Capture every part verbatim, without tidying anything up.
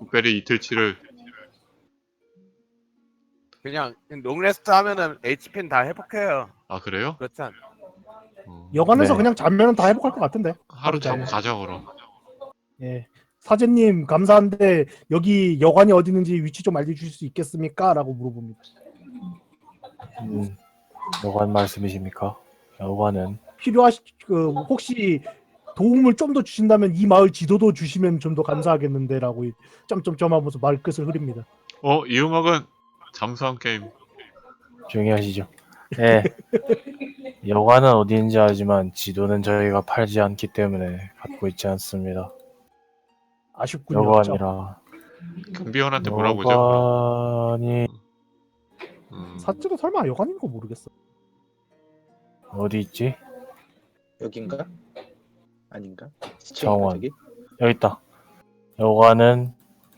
룩베리 이틀치를 그냥 롱레스트 하면은 에이치피는 다 회복해요. 아 그래요? 그렇지 않? 어, 여관에서 네. 그냥 자면은 다 회복할 것 같은데. 하루 자고 자면. 가자 그럼. 예. 사제님 감사한데 여기 여관이 어디 있는지 위치 좀 알려주실 수 있겠습니까? 라고 물어봅니다. 음, 여관 말씀이십니까? 여관은 필요하시 그 혹시 도움을 좀 더 주신다면 이 마을 지도도 주시면 좀 더 감사하겠는데라고 점점점 하면서 말 끝을 흐립니다. 어, 이 음악은 잠수함 게임. 조용히 하시죠. 네. 여관은 어디인지 알지만 지도는 저희가 팔지 않기 때문에 갖고 있지 않습니다. 아쉽군요. 여관이라. 경비원한테 물어보죠. 여관이 음, 사제가 설마 여관인 거 모르겠어. 어디 있지? 여긴가? 아닌가? 정원. 저기? 여기 있다. 여관은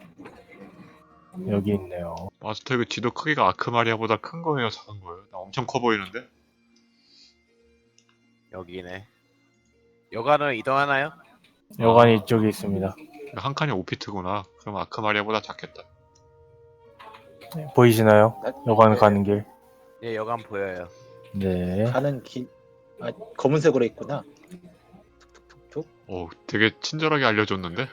여기 있네요. 마스터 이거 지도 크기가 아크마리아보다 큰 거예요, 작은 거예요? 나 엄청 커 보이는데? 여기네. 여가는 이동하나요? 여관이 이쪽에 있습니다. 한 칸이 오 피트구나. 그럼 아크마리아보다 작겠다. 보이시나요? 나- 여관 네. 가는 길. 예, 여간 보여요. 네. 가는 길, 아, 검은색으로 있구나. 툭툭툭툭. 오, 되게 친절하게 알려줬는데?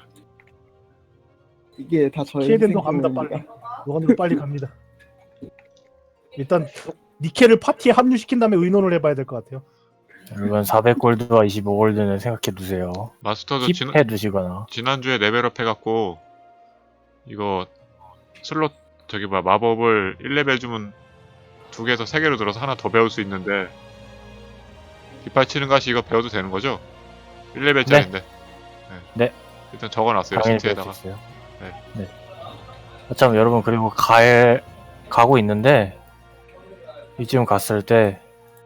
이게 다 저의 키에덴도 갑니다 빨리. 희생품입니다. 여관으로 빨리 갑니다. 일단 니켈을 파티에 합류시킨 다음에 의논을 해봐야 될 것 같아요. 이건 사백 골드와 이십오 골드는 생각해 두세요. 마스터도 지난, 킵해 두시거나. 지난주에 레벨업 해갖고 이거 슬롯 저기 뭐 마법을 일 레벨 주면 두 개에서 세 개로 들어서 하나 더 배울 수 있는데 깃발 치는 가시 이거 배워도 되는 거죠? 일 레벨짜리인데. 네. 일단 적어놨어요 당연히 배울 시트에다가. 수 있어요. 네. 네. 참 여러분 그리고 갈 가고 있는데 이쯤 갔을 때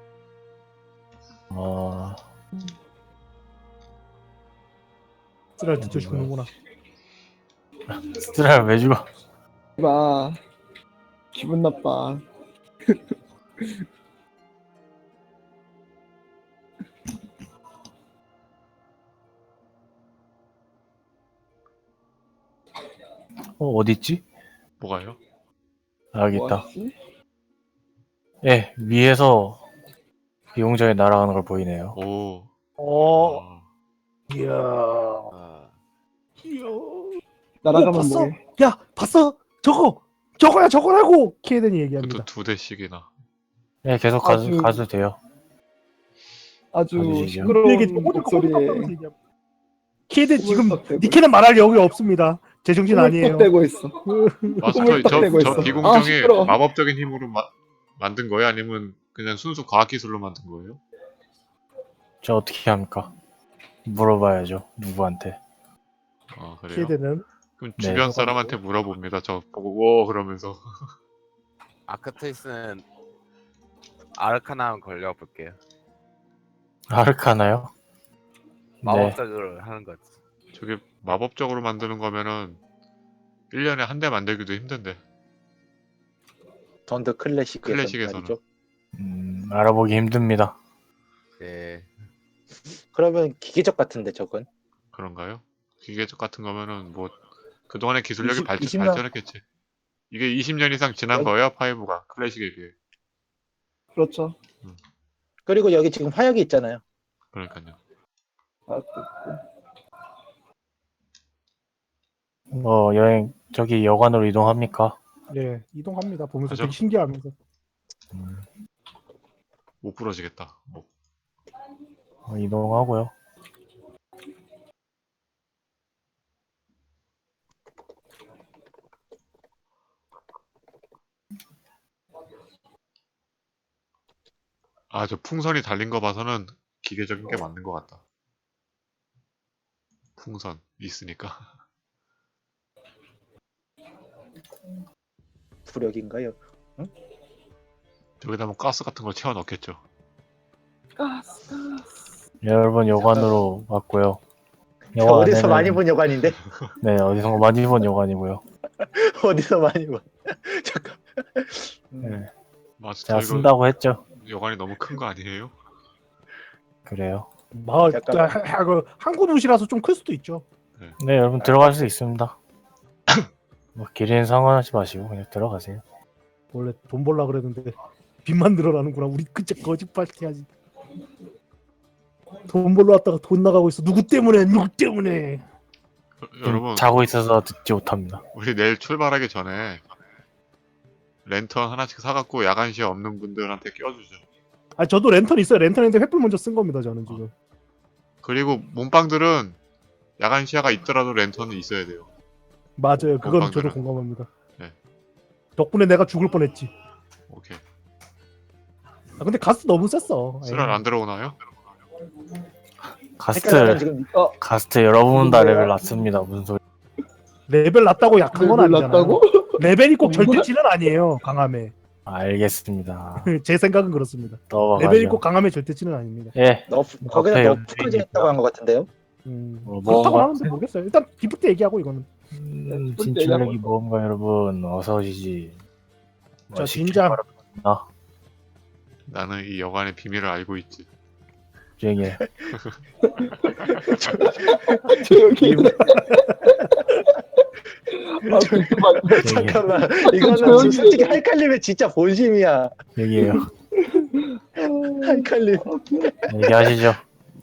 어. 쓰랄 듣죠 죽는구나. 스트라를 왜 죽어? 봐. 기분 나빠. 어 어디 있지? 뭐가요? 아, 여기 있다. 뭐하지? 예, 위에서 비용장에 날아가는 걸 보이네요. 오. 어, 어. 이야, 어. 이야. 날아가면 어, 봤어? 뭐해? 야, 봤어? 저거, 저거야, 저거라고. 키에덴이 얘기합니다. 그것도 두 대씩이나. 예, 계속 가도, 아주- 가도 돼요. 아주 봐주시죠. 시끄러운 얘기 목소리에 키에덴 지금 꾸물떡대고 니케는 말할 여유 없습니다. 제정신 아니에요. 꾸물떡대고 있어. 마스터 꿈을 딱 저, 대고 저 있어. 아, 비공정이 시끄러워. 마법적인 힘으로 마, 만든 거예요? 아니면 그냥 순수 과학기술로 만든 거예요? 저 어떻게 합니까? 물어봐야죠. 누구한테. 아 그래요? 키에덴은 그럼 네. 주변 사람한테 물어봅니다. 저 보고 오 그러면서. 아크트리스는 아르카나 한번 걸려볼게요. 아르카나요? 네. 마법적으로 하는 거지. 저게 마법적으로 만드는 거면은 일 년에 한 대 만들기도 힘든데. 던더 클래식에서 클래식에서는. 말이죠. 음, 알아보기 힘듭니다. 예. 그러면 기계적 같은데 저건. 그런가요? 기계적 같은 거면은 뭐 그동안의 기술력이 이십- 발전, 이십 년 발전했겠지. 이게 이십 년 이상 지난 여기- 거예요, 파이브가 클래식에 비해. 그렇죠. 그리고 여기 지금 화약이 있잖아요. 그러니까요. 아, 뭐 여행 저기 여관으로 이동합니까? 네 이동합니다. 보면서 가죠. 되게 신기하면서 못 부러지겠다. 뭐. 어, 이동하고요. 아, 저 풍선이 달린 거 봐서는 기계적인 게 맞는 것 같다. 풍선 있으니까. 부력인가요? 저기다 뭐 가스 같은 걸 채워 넣겠죠. 가스, 가스. 여러분 여관으로 왔고요. 어디서 여관에는- 많이 본 여관인데? 네, 어디서 많이 본 여관이고요. 어디서 많이 본? 잠깐. 네. 마스터 제가 이거 쓴다고 했죠. 여관이 너무 큰 거 아니에요? 그래요. 마을 약간- 아, 하- 그 항구 도시라서 좀 클 수도 있죠. 네, 여러분 들어갈 수 있습니다. 뭐 길이는 상관하지 마시고 그냥 들어가세요. 원래 돈 벌라 그랬는데 빚만 늘어나는구나. 우리 그저 거짓말티 하지. 돈 벌러 왔다가 돈 나가고 있어. 누구 때문에? 누구 때문에? 좀 여러분 자고 있어서 듣지 못합니다. 우리 내일 출발하기 전에 랜턴 하나씩 사갖고 야간 시야 없는 분들한테 껴주죠. 아 저도 랜턴 있어요. 랜턴인데 횃불 먼저 쓴 겁니다. 저는 지금. 그리고 몸빵들은 야간 시야가 있더라도 랜턴은 있어야 돼요. 맞아요. 그건 건방들은. 저도 공감합니다. 네. 덕분에 내가 죽을 뻔했지. 오케이. 아 근데 가스 너무 셌어. 쓰랄 에이. 안 들어오나요? 헷갈려서 가스트 지금 어, 가스트 여러분 다 뭐야? 레벨 낮습니다. 무슨 소리? 레벨 낮다고 약한 건 아니잖아. 놀랐다고? 레벨이 꼭 정말? 절대치는 아니에요. 강함에. 알겠습니다. 제 생각은 그렇습니다. 넘어가죠. 레벨이 꼭 강함의 절대치는 아닙니다. 예. 너프 거기다 앞에 너프까지 했다고 한 것 같은데요. 음, 뭐, 그렇다고 뭐가- 하는데 모르겠어요. 일단 기프트 얘기하고 이거는. 음, 또 진출력이 얘기하고 뭔가 여러분 어서 오시지. 뭐 자, 시킬 진짜. 바랍니다. 나는 이 여관의 비밀을 알고 있지. 조용히 해. 조용히. 아, 그만. 조용히 해. 잠깐만 이거는 조용히 지금 솔직히 할칼림의 진짜 본심이야. 얘기해요. 할칼림. 얘기하시죠.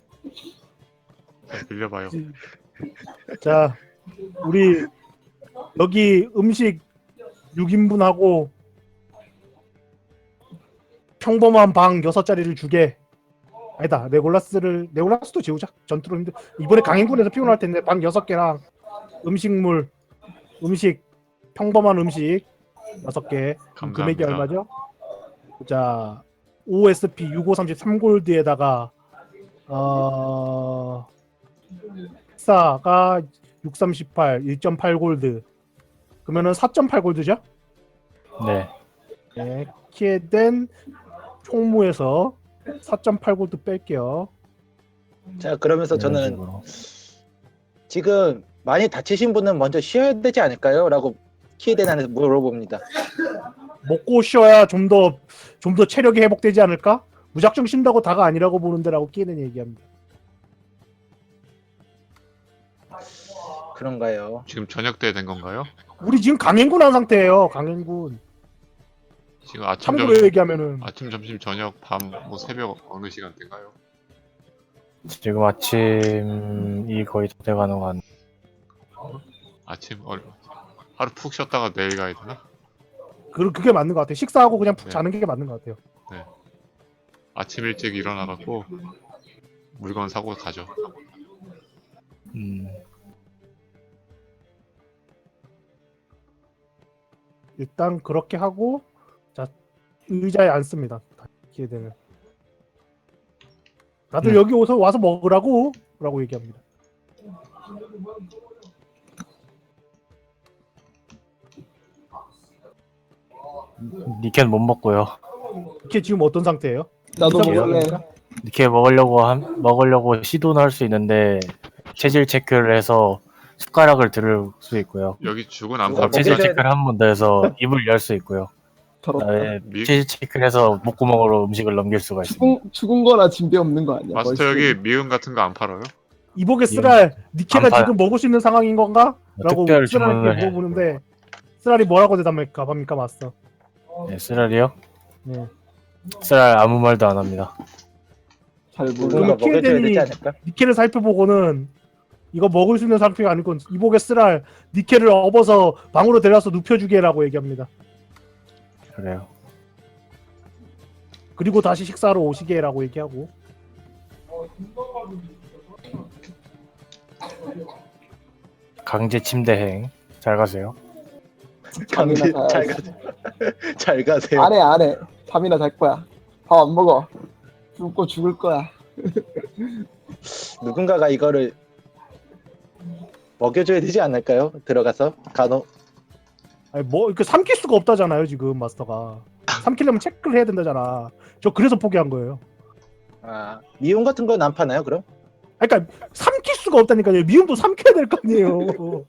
자, 빌려봐요. 자, 우리 여기 음식 육 인분하고 평범한 방 여섯 자리를 주게. 아니다. 레골라스를 레골라스도 지우자. 전투로 힘들. 이번에 강행군에서 피곤할 텐데 방 여섯 개랑 음식물 음식 평범한 음식 여섯 개. 그럼 금액이 감사합니다. 얼마죠? 자, 오에스피 육오삼삼 골드에다가 어 식사가 육삼십팔 일 점 팔 골드. 그러면은 사 점 팔 골드죠? 네. 네. 키에덴 총무에서 사 점 팔 골드 뺄게요. 자 그러면서 이런 저는 식으로. 지금 많이 다치신 분은 먼저 쉬어야 되지 않을까요? 라고 키에덴한테 물어봅니다. 먹고 쉬어야 좀 더 좀 더 체력이 회복되지 않을까? 무작정 쉰다고 다가 아니라고 보는데라고 키에덴 얘기합니다. 그런가요? 지금 저녁 때 된 건가요? 우리 지금 강행군 한 상태예요. 강행군. 지금 아침 참고로 점심 얘기하면은 아침 점심 저녁 밤 뭐 새벽 어느 시간대인가요? 지금 아침이 거의 다 돼가는 것 같네. 아침 얼 하루 푹 쉬었다가 내일 가야 되나? 그 그게 맞는 것 같아요. 식사하고 그냥 푹 네. 자는 게 맞는 것 같아요. 아침 일찍 일어나갖고 물건 사고 가죠. 음. 일단 그렇게 하고 자 의자에 앉습니다. 기회되면 다들 음. 여기 오서 와서 먹으라고 라고 얘기합니다. 니켄 못 먹고요. 이게 지금 어떤 상태예요? 나도 의사 먹을래. 먹을까? 이렇게 먹으려고 한, 먹으려고 시도는 할 수 있는데 체질 체크를 해서 숟가락을 들을 수 있고요. 여기 죽은 안 누가 파니까 체질 먹여줘야 체크를 한 번 더 해서 입을 열 수 있고요. 더럽다. 그다음에 미- 체질 체크를 해서 목구멍으로 음식을 넘길 수가 있습니다. 죽은, 죽은 거나 진배 없는 거 아니야? 마스터 벌써. 여기 미음 같은 거 안 팔아요? 이복의 쓰랄 니케가 안 팔아요. 지금 먹을 수 있는 상황인 건가? 라고 특별 쓰랄에게 주문을 해. 물어보는데 쓰랄이 뭐라고 대답할까 합니까 마스터? 네, 쓰랄이요? 네. 쓰랄 아무 말도 안 합니다. 잘 모르. 누군가 그러면 먹여줘야 키에덴이- 되지 않을까? 니케를 살펴보고는 이거 먹을 수 있는 상태가 아니고 이복의 쓰랄 니케를 업어서 방으로 데려와서 눕혀주게라고 얘기합니다. 그래요. 그리고 다시 식사하러 오시게라고 얘기하고 강제 침대행. 잘 가세요. 강제 잠이나 잘 자야지. 가세요. 잘 가세요. 안해 안해. 잠이나 잘 거야. 밥 안 먹어. 굶고 죽을 거야. 누군가가 이거를 먹여줘야 되지 않을까요? 들어가서 간호. 아니 뭐 이렇게 삼킬 수가 없다잖아요 지금 마스터가 삼키려면 체크를 해야 된다잖아. 저 그래서 포기한 거예요. 아 미용 같은 건 안 파나요? 그럼? 아, 그러니까 삼킬 수가 없다니까요. 미움도 삼켜야 될 거 아니에요.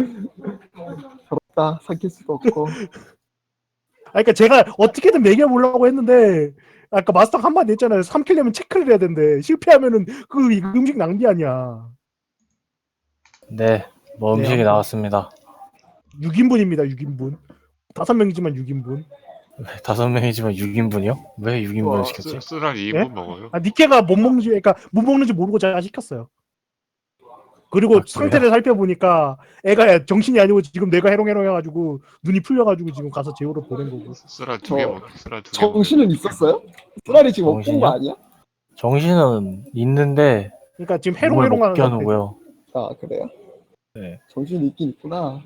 더럽다. 삼킬 수도 없고. 아, 그러니까 제가 어떻게든 먹여보려고 했는데 아까 마스터가 한마디 했잖아요. 삼키려면 체크를 해야 된대. 실패하면은 그 음식 낭비 아니야. 네, 뭐 네, 음식이 아무튼. 나왔습니다. 육 인분입니다. 육 인분. 다섯 명이지만 육 인분. 다섯 명이지만 육 인분이요? 왜 육 인분을 우와, 시켰지? 쓰- 쓰랄 이 예? 인분 먹어요. 아 니케가 못 먹는지 그러니까 못 먹는지 모르고 제가 시켰어요. 그리고 아, 그래요? 상태를 살펴보니까 애가 정신이 아니고 지금 뇌가 해롱해롱해가지고 눈이 풀려가지고 지금 가서 제호를 보낸 거고. 쓰랄 두 개 저- 먹. 쓰랄 두 개 먹. 정신은 있었어요? 쓰라리 지금 못 본 거 정신이요? 아니야? 정신은 있는데 그러니까 지금 몸을 못 해롱해롱하는 상태. 겨누고요. 아 그래요? 네. 정신이 있긴 있구나.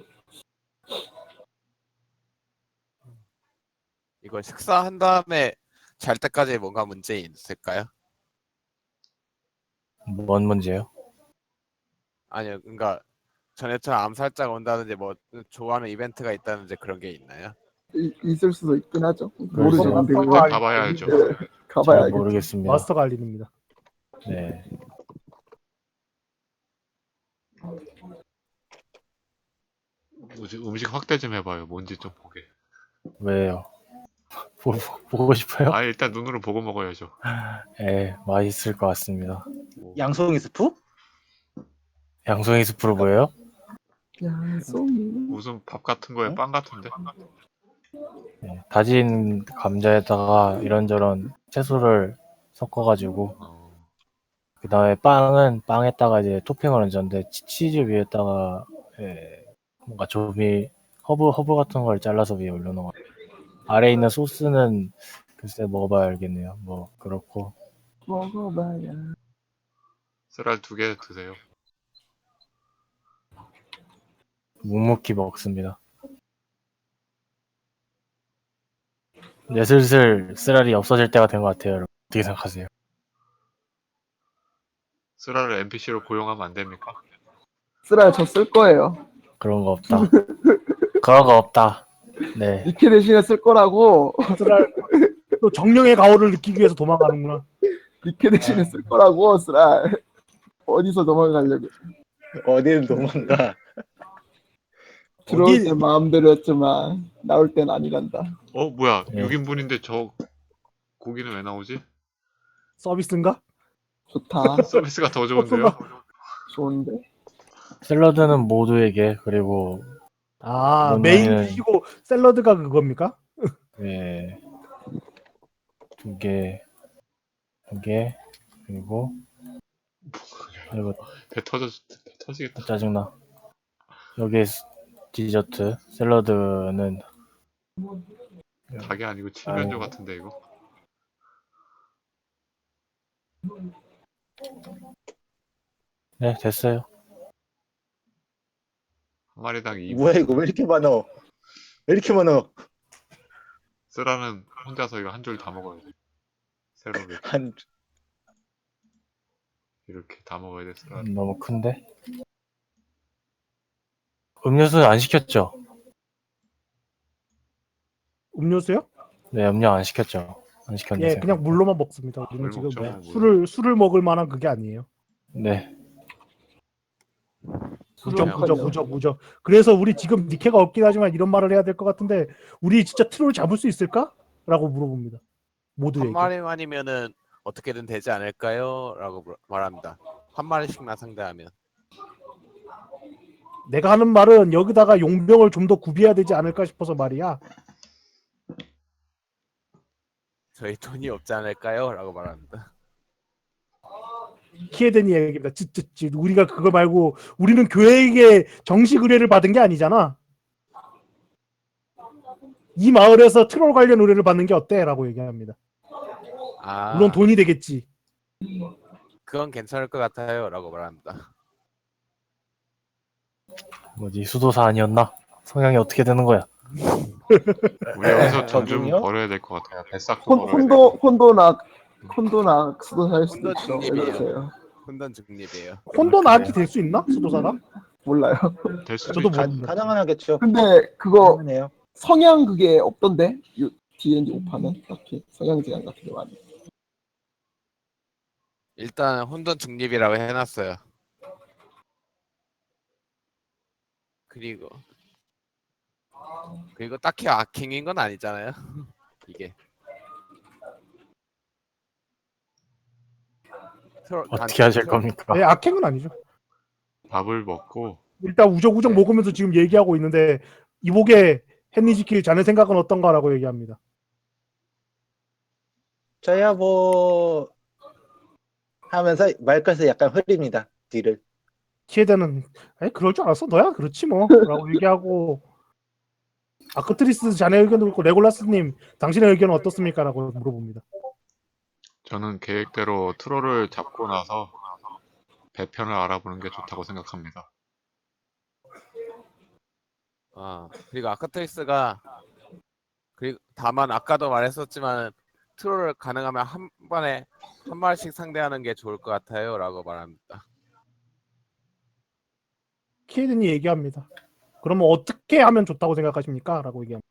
이거 식사한 다음에 잘 때까지 뭔가 문제 있을까요? 뭔 문제요? 아니요, 그러니까 전에처럼 암살자가 온다든지 뭐 좋아하는 이벤트가 있다든지 그런 게 있나요? 이- 있을 수도 있긴 하죠. 그럴 모르죠. 수 근데 있죠. 그거 아, 가봐야 알죠. 잘 가봐야 알겠죠. 모르겠습니다. 마스터가 알리입니다. 네. 뭐지, 음식 확대 좀 해봐요. 뭔지 좀 보게. 왜요? 보, 보고 싶어요? 아 일단 눈으로 보고 먹어야죠. 예, 맛있을 것 같습니다. 양송이 스프? 양송이 스프로 보여요? 양송이. 무슨 밥 같은 거에 빵 같은데? 네, 다진 감자에다가 이런저런 채소를 섞어가지고 어, 그 다음에 빵은 빵에다가 이제 토핑을 얹었는데 치- 치즈 위에다가 예, 뭔가 조미 허브 허브 같은 걸 잘라서 위에 올려놓은 거. 아래 있는 소스는 글쎄 먹어봐야 알겠네요. 뭐 그렇고 먹어봐야. 쓰랄 두 개 드세요. 묵묵히 먹습니다. 이제 슬슬 쓰라리 없어질 때가 된 것 같아요. 여러분. 어떻게 생각하세요? 쓰랄을 엔피씨로 고용하면 안 됩니까? 쓰라 저쓸 거예요. 그런 거 없다. 그런 거 없다. 네. 니케 대신에 쓸 거라고. 쓰랄 또 정령의 가오를 느끼기 위해서 도망가는구나. 니케 대신에 쓸 거라고 쓰라. 어디서 넘어가려고. 어디를 도망가. 들어올 어디- 때 마음대로였지만 나올 땐 아니란다. 어 뭐야 네. 육 인분인데 저 고기는 왜 나오지? 서비스인가? 좋다. 서비스가 더 좋은데요? 좋은데. 샐러드는 모두에게 그리고 아 이건 메인 나는- 디시고 샐러드가 그겁니까? 네. 두 개, 두 개, 그리고 그리고 배 터져 배 터지겠다. 짜증나. 여기 디저트 샐러드는 닭이 아니고 칠면조 아이고. 같은데 이거. 네 됐어요. 한 마리당 이 분. 뭐야 이거 왜 이렇게 많어? 왜 이렇게 많어? 쓰라는 혼자서 이거 한 줄 다 먹어야 돼. 세로를 한 이렇게 다 먹어야 돼 쓰라. 음, 너무 큰데. 음료수는 안 시켰죠? 음료수요? 네 음료 안 시켰죠? 안 시켰는데. 예, 그냥 물로만 먹습니다. 우리는 물 지금 먹죠, 물. 술을 술을 먹을 만한 그게 아니에요. 네. 무적 술은 무적 커녕. 무적 무적. 그래서 우리 지금 니케가 없긴 하지만 이런 말을 해야 될 것 같은데 우리 진짜 트롤 잡을 수 있을까? 라고 물어봅니다. 모두에게. 한 마리만이면은 어떻게든 되지 않을까요? 라고 물- 말합니다. 한 마리씩만 상대하면. 내가 하는 말은 여기다가 용병을 좀 더 구비해야 되지 않을까 싶어서 말이야. 저희 돈이 없지 않을까요? 라고 말합니다. 키에덴이 얘기입니다. 찌찌찌. 우리가 그거 말고 우리는 교회에게 정식 의뢰를 받은 게 아니잖아. 이 마을에서 트롤 관련 의뢰를 받는 게 어때? 라고 얘기합니다. 아, 물론 돈이 되겠지. 그건 괜찮을 것 같아요. 라고 말합니다. 뭐지 수도사 아니었나? 성향이 어떻게 되는 거야? 우리 여기서 돈 좀 저기요? 벌어야 될 것 같아요. 뱃삭도 혼, 벌어야 혼도 되고. 혼도나 혼도나 수도 살 수도 혼도 있죠. 왜 중립이에요. 그러세요? 혼돈 중립이에요. 혼돈 그래요? 악이 될 수 있나? 수도사가? 몰라요. 될 수도 저도 있죠. 뭐- 가, 모릅니다. 가능은 하겠죠. 근데 그거 가능해요. 성향 그게 없던데 디엔디 오판은 딱히 성향 제한 같은 게 많이. 일단 혼돈 중립이라고 해놨어요. 그리고 그리고 딱히 아킹인 건 아니잖아요. 이게 트롤- 어떻게 단- 하실 트롤- 겁니까? 네, 악행은 아니죠. 밥을 먹고 일단 우적우적 네. 먹으면서 지금 얘기하고 있는데 이복에 헨리지킬 자네 생각은 어떤가라고 얘기합니다. 저야 뭐 하면서 말끝에 약간 흐립니다. 뒤를. 키에덴은 아니 그럴 줄 알았어 너야 그렇지 뭐라고 얘기하고 아크트리스 자네 의견도 그렇고 레골라스님 당신의 의견은 어떻습니까라고 물어봅니다. 저는 계획대로 트롤을 잡고 나서 배편을 알아보는 게 좋다고 생각합니다. 아 그리고 아크트리스가 그리고 다만 아까도 말했었지만 트롤을 가능하면 한 번에 한 마리씩 상대하는 게 좋을 것 같아요라고 말합니다. 키에덴이 얘기합니다. 그러면 어떻게 하면 좋다고 생각하십니까? 라고 얘기합니다.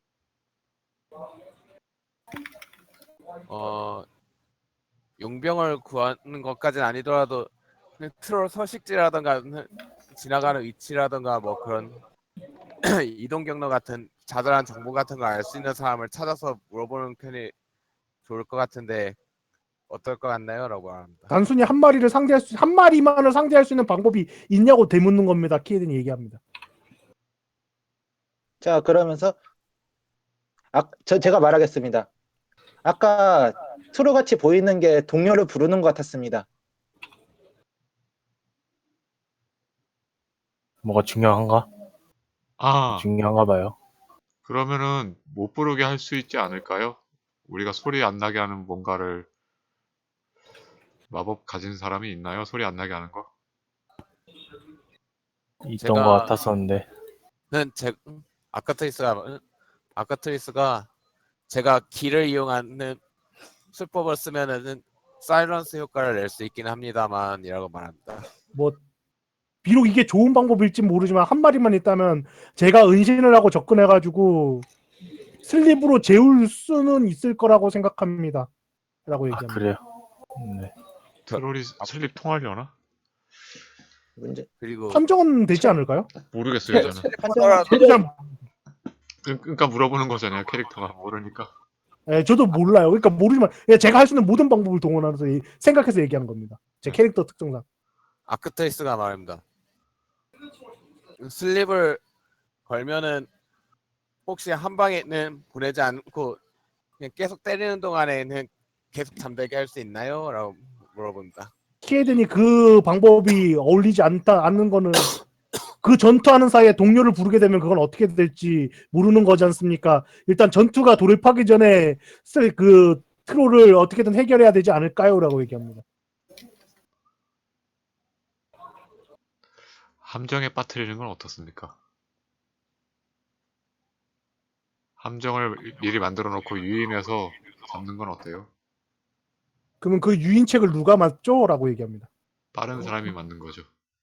어 용병을 구하는 것까지는 아니더라도 그냥 트롤 서식지라던가 지나가는 위치라던가 뭐 그런 이동 경로 같은 자잘한 정보 같은 걸 알 수 있는 사람을 찾아서 물어보는 편이 좋을 것 같은데 어떨 것 같나요? 라고 말합니다. 단순히 한 마리를 상대할 수, 한 마리만을 상대할 수 있는 방법이 있냐고 되묻는 겁니다. 키에덴이 얘기합니다. 자 그러면서 아, 저 제가 말하겠습니다. 아까 트로같이 보이는 게 동료를 부르는 것 같았습니다. 뭐가 중요한가? 아, 중요한가 봐요. 그러면은 못 부르게 할 수 있지 않을까요? 우리가 소리 안 나게 하는 뭔가를 마법 가진 사람이 있나요? 소리 안 나게 하는 거? 있던 제가- 것 같았었는데. 는 제 아카트리스가 아카트리스가 제가 기를 이용하는 수법을 쓰면은 사일런스 효과를 낼 수 있긴 합니다만이라고 말합니다. 뭐 비록 이게 좋은 방법일지 모르지만 한 마리만 있다면 제가 은신을 하고 접근해가지고 슬립으로 재울 수는 있을 거라고 생각합니다. 라고 아 얘기합니다. 그래요? 네. 트롤이 슬립 통하려나? 문제. 그리고 판정은 되지 않을까요? 모르겠어요, 저는. 하더라도 저도 잘, 그- 그러니까 물어보는 거잖아요, 캐릭터가. 모르니까. 예, 저도 몰라요. 그러니까 모르지만 예, 제가 할 수 있는 모든 방법을 동원하면서 이- 생각해서 얘기하는 겁니다. 제 캐릭터 특성상. 아크트리스가 말합니다. 슬립을 걸면은 혹시 한 방에는 보내지 않고 그냥 계속 때리는 동안에는 계속 잠들게 할 수 있나요? 라고 물어봅니다. 키에덴이 그 방법이 어울리지 않다 않는 거는 그 전투하는 사이에 동료를 부르게 되면 그건 어떻게 될지 모르는 거지 않습니까? 일단 전투가 돌입하기 전에 쓸 그 트롤을 어떻게든 해결해야 되지 않을까요?라고 얘기합니다. 함정에 빠뜨리는 건 어떻습니까? 함정을 미리 만들어 놓고 유인해서 잡는 건 어때요? 그러면 그 유인책을 누가 맞죠?라고 얘기합니다. 빠른 사람이 맞는 거죠.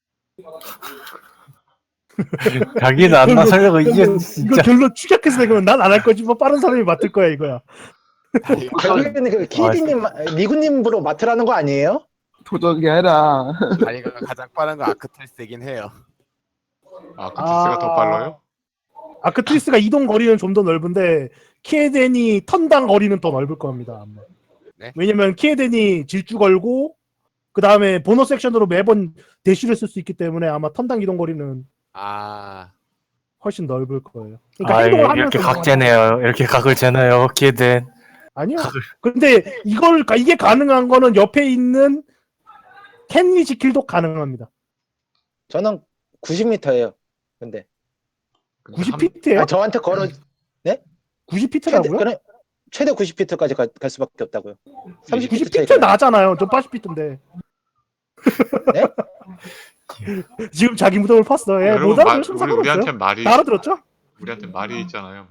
자기는 안 나서려고 이게 이거 진짜. 결론 추격해서 내면 난 안 할 거지 뭐 빠른 사람이 맡을 거야 이거야. 결국에는 그 키디님, 리구님으로 맡으라는 거 아니에요? 도적이 해라. 자기가 가장 빠른 건 아크트리스이긴 해요. 아, 크티스가 더 빨라요? 아크트리스가 이동 거리는 좀 더 넓은데 키에덴이 턴당 거리는 더 넓을 겁니다. 아마. 네? 왜냐면 키에덴이 질주 걸고 그 다음에 보너스 액션으로 매번 대쉬를 쓸 수 있기 때문에 아마 턴당 이동 거리는 아 훨씬 넓을 거예요. 그러니까 아 행동을 이렇게 하면서 각재네요. 이렇게 각을 재네요. 키에덴. 아니요. 근데 이걸 이게 가능한 거는 옆에 있는 캔리 지킬도 가능합니다. 저는 구십 미터예요. 근데 근데 구십 함- 피트예요? 아, 저한테 걸어 구십 최대 피트라고요? 그래 최대 구십 피트까지 갈, 갈 수밖에 없다고요. 삼십 피트 구십 피트 차이가 나요. 나잖아요. 저 팔십 피트인데. 네? 지금 자기 무덤을 팠어. 예, 여러분, 못 말- 알아들으시면 우리, 상관없어요. 우리한테 말이 다 알아들었죠? 우리한테 말이 있잖아요.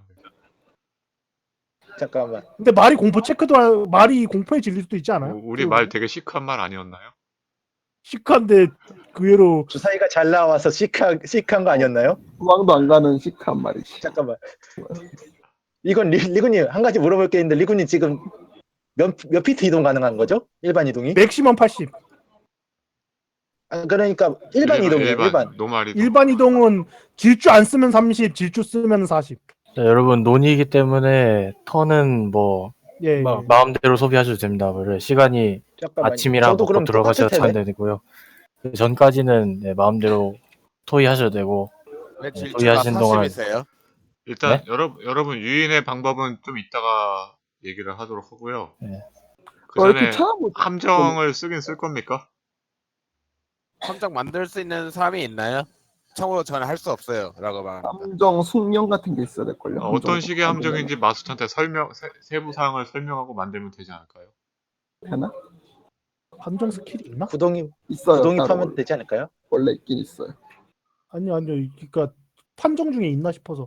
잠깐만. 근데 말이 공포 체크도 하- 말이 공포에 질릴 수도 있지 않아요? 우- 우리 말 되게 시크한 말 아니었나요? 시크한데 의외로 주사위가 잘 나와서 시크한 시크한 거 아니었나요? 도망도 안 가는 시크한 말이지. 잠깐만. 이건 리, 리구님 한 가지 물어볼 게 있는데 리구님 지금 몇, 몇 피트 이동 가능한 거죠? 일반 이동이? 맥시멈 팔십. 아, 그러니까 일반 이동이에요. 일반. 노말이 일반 이동은 질주 안 쓰면 삼십, 질주 쓰면 사십. 자, 여러분 논의이기 때문에 턴은 뭐 예. 마, 예. 마음대로 소비하셔도 됩니다. 원래 시간이 잠깐만요. 아침이랑 저도 먹고 그럼 들어가셔야 똑같을 텐데. 차는 되고요. 그 전까지는 네, 마음대로 스토리 하셔도 되고. 왜 네, 질주가 소유하신 동안- 사십이세요? 일단 네? 여러분 여러분 유인의 방법은 좀 이따가 얘기를 하도록 하고요. 네. 그 어, 이렇게 전에 찾아보 함정을 쓰긴 쓸 겁니까? 함정 만들 수 있는 사람이 있나요? 참고로 저는 할 수 없어요. 라고 말합니다. 함정 숙련 같은 게 있어야 될걸요. 어, 어떤 함정 식의 만들려면. 함정인지 마스터한테 설명 세, 세부 사항을 설명하고 만들면 되지 않을까요? 되나? 함정 스킬이 있나? 구덩이 있어요. 구덩이 따로 파면 원래. 되지 않을까요? 원래 있긴 있어요. 아니요 아니요. 그러니까 판정 중에 있나 싶어서.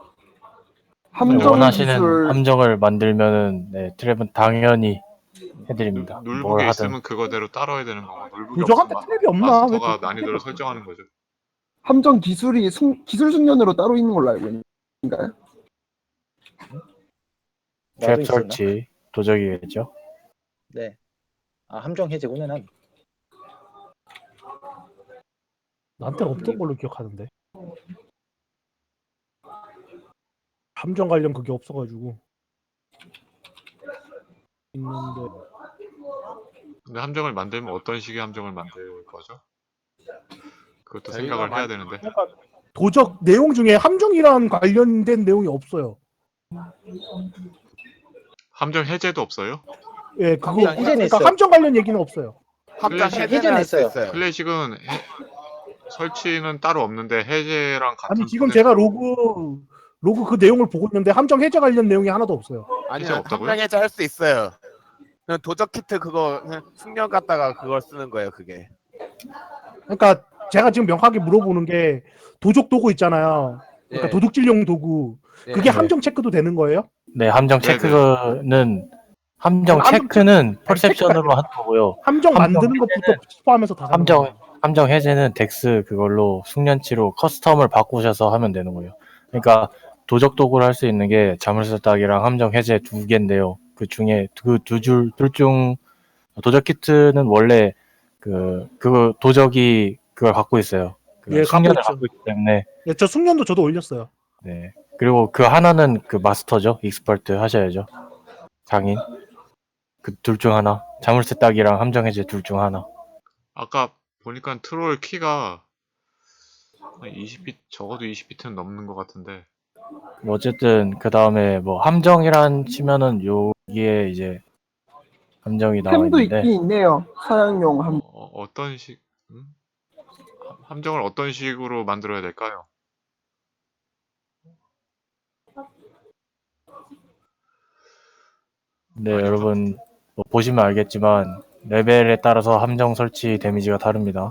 함정 원하시는 기술 함정을 만들면은 네, 트랩은 당연히 누, 해드립니다. 뭘 눌북에 하든. 있으면 그거대로 따라야 되는 거고 눌북이 도적한테 없으면 트랩이 없나? 왜 마스터가 도적 난이도를 트랩이 설정하는 거죠. 함정 기술이 숙, 기술 숙련으로 따로 있는 걸로 알고 있는가요? 나도 트랩 있었나? 설치 도적이겠죠. 네. 아 함정 해제구나 난. 나한테는 없던 걸로 기억하는데. 함정 관련 그게 없어가지고. 있는데 근데 함정을 만들면 어떤 식의 함정을 만들 거죠? 그것도 저희가 생각을 해야 만- 되는데 그러니까 도적 내용 중에 함정이랑 관련된 내용이 없어요. 함정 해제도 없어요? 예, 그거 함정 그러니까 해제는 있어요. 함정 관련 얘기는 없어요. 함정 클래식- 해제는 해제는 할 수 있어요. 있어요. 클래식은 해- 설치는 따로 없는데 해제랑 같은 아니 지금 제가 선에서 로그 로그 그 내용을 보고 있는데 함정 해제 관련 내용이 하나도 없어요. 아니요, 해제 없다고요? 함정 해제 할 수 있어요. 그냥 도적 키트 그거 그냥 숙련 갖다가 그걸 쓰는 거예요. 그게. 그러니까 제가 지금 명확하게 물어보는 게 도적 도구 있잖아요. 그러니까 예. 도둑질용 도구. 예. 그게 네. 함정 체크도 되는 거예요? 네, 함정 네네. 체크는 함정 함정 체크는 아니, 퍼셉션으로 하는 거고요. 함정, 함정 만드는 것부터 포함해서 다 가는 함정 거예요. 함정 해제는 덱스 그걸로 숙련치로 커스텀을 바꾸셔서 하면 되는 거예요. 그러니까 도적 도구를 할 수 있는 게 자물쇠 따기랑 함정 해제 두 개인데요. 그 중에 그 두 줄 둘 중 도적 키트는 원래 그 그거 도적이 그걸 갖고 있어요. 그 예, 갖고 숙련을 있죠. 갖고 있기 때문에 예, 저 숙련도 저도 올렸어요. 네. 그리고 그 하나는 그 마스터죠. 익스퍼트 하셔야죠. 장인. 그 둘 중 하나. 자물쇠 따기랑 함정 해제 둘 중 하나. 아까 보니까 트롤 키가 한 이십 비트 적어도 이십 비트는 넘는 것 같은데 뭐 어쨌든 그 다음에 뭐 함정이란 치면은 여기에 이제 함정이 나와 템도 있는데 있긴 있네요. 사양용 함. 어, 어떤 식 음? 함- 함정을 어떤 식으로 만들어야 될까요? 네 아니, 여러분 뭐 보시면 알겠지만 레벨에 따라서 함정 설치 데미지가 다릅니다.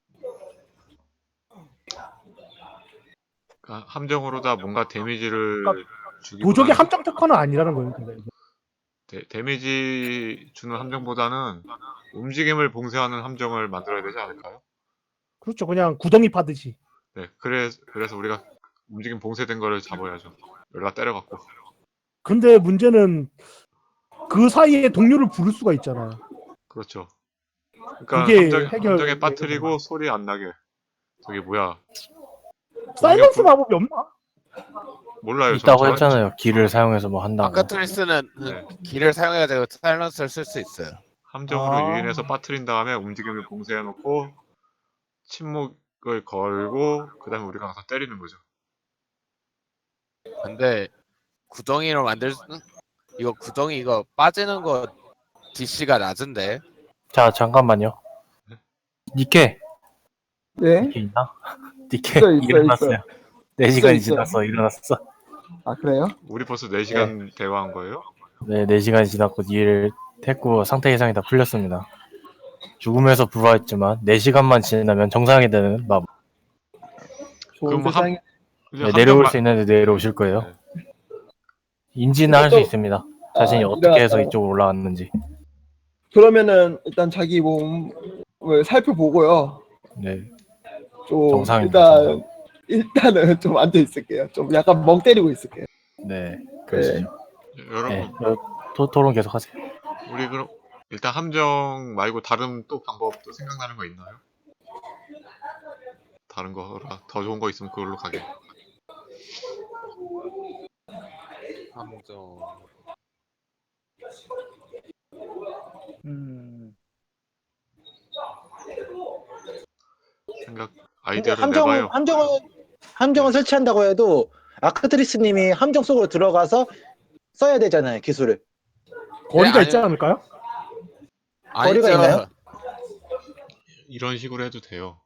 그러니까 함정으로다 뭔가 데미지를 그러니까 주기보다는 도적이 함정 특허는 아니라는 거예요. 근데. 데, 데미지 주는 함정보다는 움직임을 봉쇄하는 함정을 만들어야 되지 않을까요? 그렇죠. 그냥 구덩이 파듯이. 네, 그래, 그래서 우리가 움직임 봉쇄된 거를 잡아야죠. 연락 때려갖고. 근데 문제는 그 사이에 동료를 부를 수가 있잖아요. 그렇죠. 그러니까 그게 함정, 해결 함정에 빠뜨리고 소리 안 나게. 저기 뭐야? 사일런스 동료 마법이 없나? 몰라요. 저- 있다고 저- 했잖아요. 길을 사용해서 뭐 한다고. 아카트리스는 네. 길을 사용해가지고 사일런스를 쓸 수 있어요. 함정으로 아. 유인해서 빠뜨린 다음에 움직임을 봉쇄해놓고 침묵을 걸고 그 다음에 우리가 가서 때리는 거죠. 근데 구덩이로 만들 수 이거 구덩이 이거 빠지는 거 디씨가 낮은데 자 잠깐만요. 니케 네. 니케 있나? 니케 있어요, 있어요, 일어났어요. 있어요. 네 시간이 있어요. 지났어. 일어났어. 아 그래요? 우리 벌써 네 시간 대화한 거예요? 네, 네 시간이 지났고 일을 했고 상태 이상이 다 풀렸습니다. 죽음에서 부활했지만 네 시간만 지나면 정상이 되는 마법. 좋은 그럼 세상에. 이제 네, 함정 내려올 마- 수 있는데 내려오실 거예요. 네. 인지는 할 수 또- 있습니다. 자신이 아, 어떻게 해서 일어났다. 이쪽으로 올라왔는지. 그러면은 일단 자기 몸을 살펴보고요. 네, 좀 정상입니다. 일단 정상. 일단은 좀 앉아 있을게요. 좀 약간 멍 때리고 있을게요. 네, 그러시죠. 여러분 네, 어, 토, 토론 계속 하세요. 우리 그럼 일단 함정 말고 다른 또 방법 또 생각나는 거 있나요? 다른 거라 더 좋은 거 있으면 그걸로 가게. 함정 음. 생각 근데 아이디어를 함정 내봐요. 함정을 함정을 설치한다고 해도 아크트리스님이 함정 속으로 들어가서 써야 되잖아요, 기술을. 거리가 아니- 있지 않을까요? 거리가 아니죠. 있나요? 이런 식으로 해도 돼요.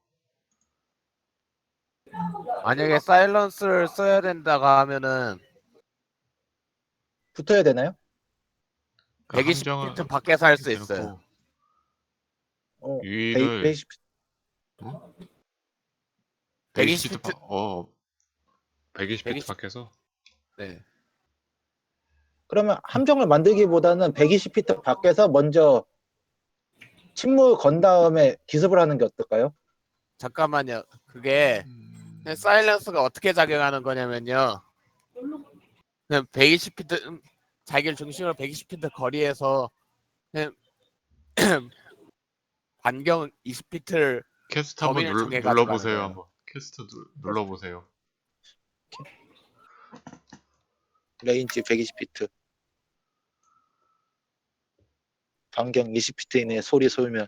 만약에 사일런스를 써야 된다고 하면은 붙어야 되나요? 그 백이십 함정을 피트 밖에서 할 수 대놓고 있어요. 어, 유인을 백이십 백이십 백이십 피트 어 백이십 피트 백이십 밖에서 네. 그러면 함정을 만들기보다는 백이십 피트 밖에서 먼저 침몰 건 다음에 기습을 하는 게 어떨까요? 잠깐만요. 그게 음, 그냥 사일런스가 어떻게 작용하는 거냐면요. 그냥 백이십 피트 음, 자기를 중심으로 백이십 피트 거리에서 그냥 반경 이십 피트를 캐스트 한번 범위를 눌, 정해 가지고 하는 눌러보세요. 거예요. 한번 캐스트 눌, 눌러보세요. 레인지 백이십 피트 반경 이십 피트 이내에 소리 소멸.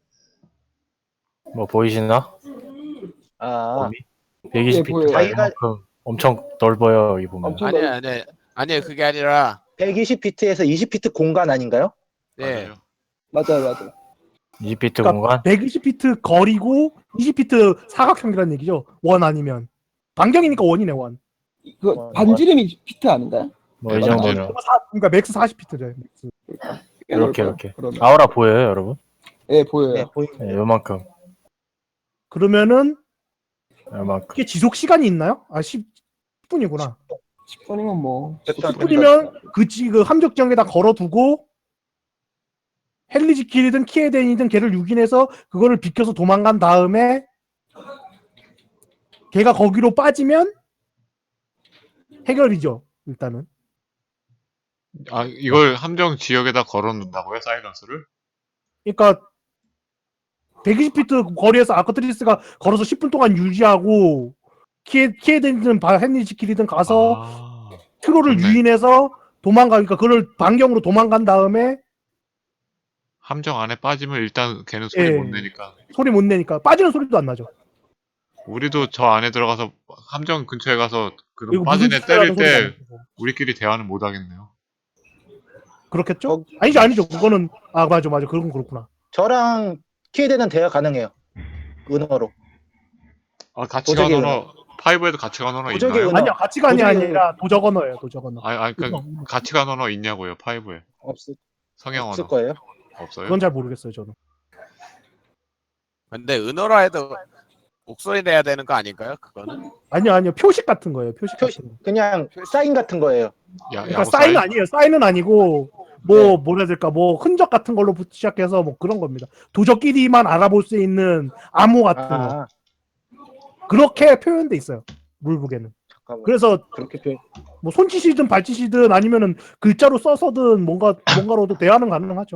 뭐 보이시나? 아, 범위? 백이십 예, 보여요. 피트가 자기가- 이만큼 엄청 넓어요. 여기 보면. 엄청 아니요, 넓- 아니요, 아니요. 그게 아니라 백이십 피트에서 이십 피트 공간 아닌가요? 네. 맞아요. 맞아요, 맞아요. 이십 피트 그러니까 공간? 백이십 피트 거리고 이십 피트 사각형이라는 얘기죠. 원 아니면 반경이니까 원이네 원. 그 어, 반지름이 피트 아닌가요? 뭐 이 네, 정도면 반지름. 사- 그러니까 맥스 사십 피트래. 맥스. 꽤 이렇게 넓어요, 이렇게. 그러면. 아우라 보여요, 여러분? 예, 보여요. 네, 보입니다. 네, 요만큼. 그러면은 요만큼. 이게 지속 시간이 있나요? 아 십 분이구나. 십 분이면 뭐 십 분. 십 분이면 그, 지- 그 함정지역에다 걸어두고 헬리지킬이든 키에덴이든 걔를 유인해서 그거를 비켜서 도망간 다음에 걔가 거기로 빠지면 해결이죠. 일단은. 아 이걸 함정 지역에다 걸어놓는다고요? 사이런스를? 그러니까 백이십 피트 거리에서 아크트리스가 걸어서 십 분 동안 유지하고 키에, 키에덴이든 바- 헬리지킬이든 가서 아, 트로를 좋네. 유인해서 도망가니까 그걸 반경으로 도망간 다음에 함정 안에 빠지면 일단 걔는 소리 예. 못 내니까 소리 못 내니까 빠지는 소리도 안 나죠. 우리도 저 안에 들어가서 함정 근처에 가서 그런 이거 빠진 무슨 애 짓을 때릴 하는 소리가 안 때 나고. 우리끼리 대화는 못 하겠네요. 그렇겠죠? 거- 아니죠, 아니죠. 그거는 아 맞아, 맞아. 그건 그렇구나. 저랑 키에덴은 대화 가능해요. 은어로. 아 가치관 도적의 언어 파이브에도 가치관 언어 도적의 있나요? 은어. 아니요, 가치관이 도저히- 아니라 도적 언어예요, 도적 언어. 아니 아니 그러니까 그건, 가치관 언어 있냐고요 파이브에 없을, 성형 없을 언어 거예요. 없어요? 그건 잘 모르겠어요, 저는. 근데 은어라 해도 목소리 내야 되는 거 아닌가요? 그거는? 아니요, 아니요. 표식 같은 거예요, 표식 표시, 같은 거. 그냥 사인 같은 거예요. 야, 그러니까 야구 사인은 사인? 아니에요. 사인은 아니고 뭐 네. 뭐라 해야 될까? 뭐 흔적 같은 걸로 시작해서 뭐 그런 겁니다. 도적끼리만 알아볼 수 있는 암호 같은 거. 아, 그렇게 표현돼 있어요. 룰북에는. 잠깐만. 그래서 그렇게 표 뭐 손짓이든 발짓이든 아니면은 글자로 써서든 뭔가 뭔가로도 대화는 가능하죠.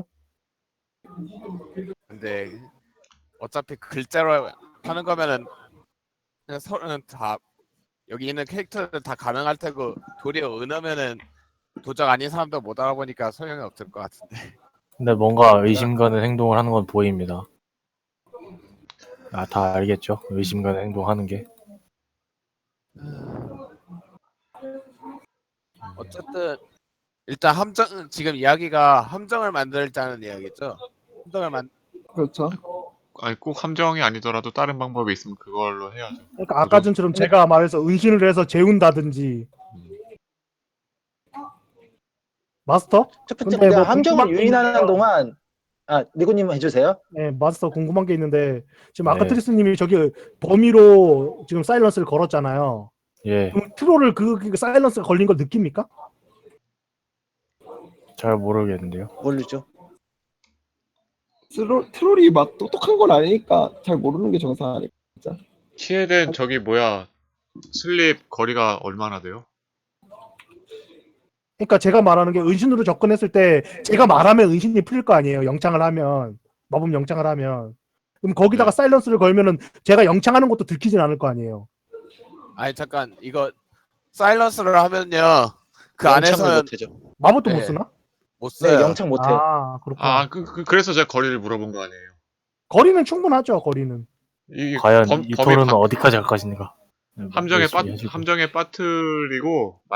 근데 어차피 글자로 하는 거면은 그냥 서로는 다 여기 있는 캐릭터들 다 가능할 테고 도리어 은어면은 도적 아닌 사람도 못 알아보니까 소용이 없을 것 같은데. 근데 뭔가 의심 가는 행동을 하는 건 보입니다. 아, 다 알겠죠? 의심 가는 행동 하는 게. 어쨌든 일단 함정 지금 이야기가 함정을 만들자는 이야기죠. 함정을 만 그렇죠. 아니 꼭 함정이 아니더라도 다른 방법이 있으면 그걸로 해야죠. 그러니까 아까 전처럼 제가 말해서 은신을 해서 재운다든지. 마스터? 첫 번째 근데 문제 뭐 함정을 궁금한 게 유인하는 있는데요. 동안 아 리고님 해주세요. 네, 마스터 궁금한 게 있는데 지금 네. 아카트리스님이 저기 범위로 지금 사일런스를 걸었잖아요. 예, 그럼 트롤을 그, 그 사일런스가 걸린 걸 느낍니까? 잘 모르겠는데요. 모르죠. 트롤, 트롤이 막 똑똑한 건 아니니까 잘 모르는 게 정상 아닐까. 키에덴 저기 뭐야 슬립 거리가 얼마나 돼요? 그러니까 제가 말하는 게 은신으로 접근했을 때 제가 말하면 은신이 풀릴 거 아니에요. 영창을 하면 마법 영창을 하면 그럼 거기다가 네. 사일런스를 걸면은 제가 영창하는 것도 들키진 않을 거 아니에요. 아니 잠깐 이거 사일런스를 하면요 그 영창을 안에서는 못해죠. 마법도 못 네. 쓰나? 못 네, 써요. 영창 못해요. 아 그렇구나. 아 그, 그, 그래서 제가 거리를 물어본 거 아니에요. 거리는 충분하죠. 거리는. 이 과연 범- 이 범위 토론은 바- 어디까지 갈 것인가? 함정에 빠 열심히 해주고. 함정에 빠뜨리고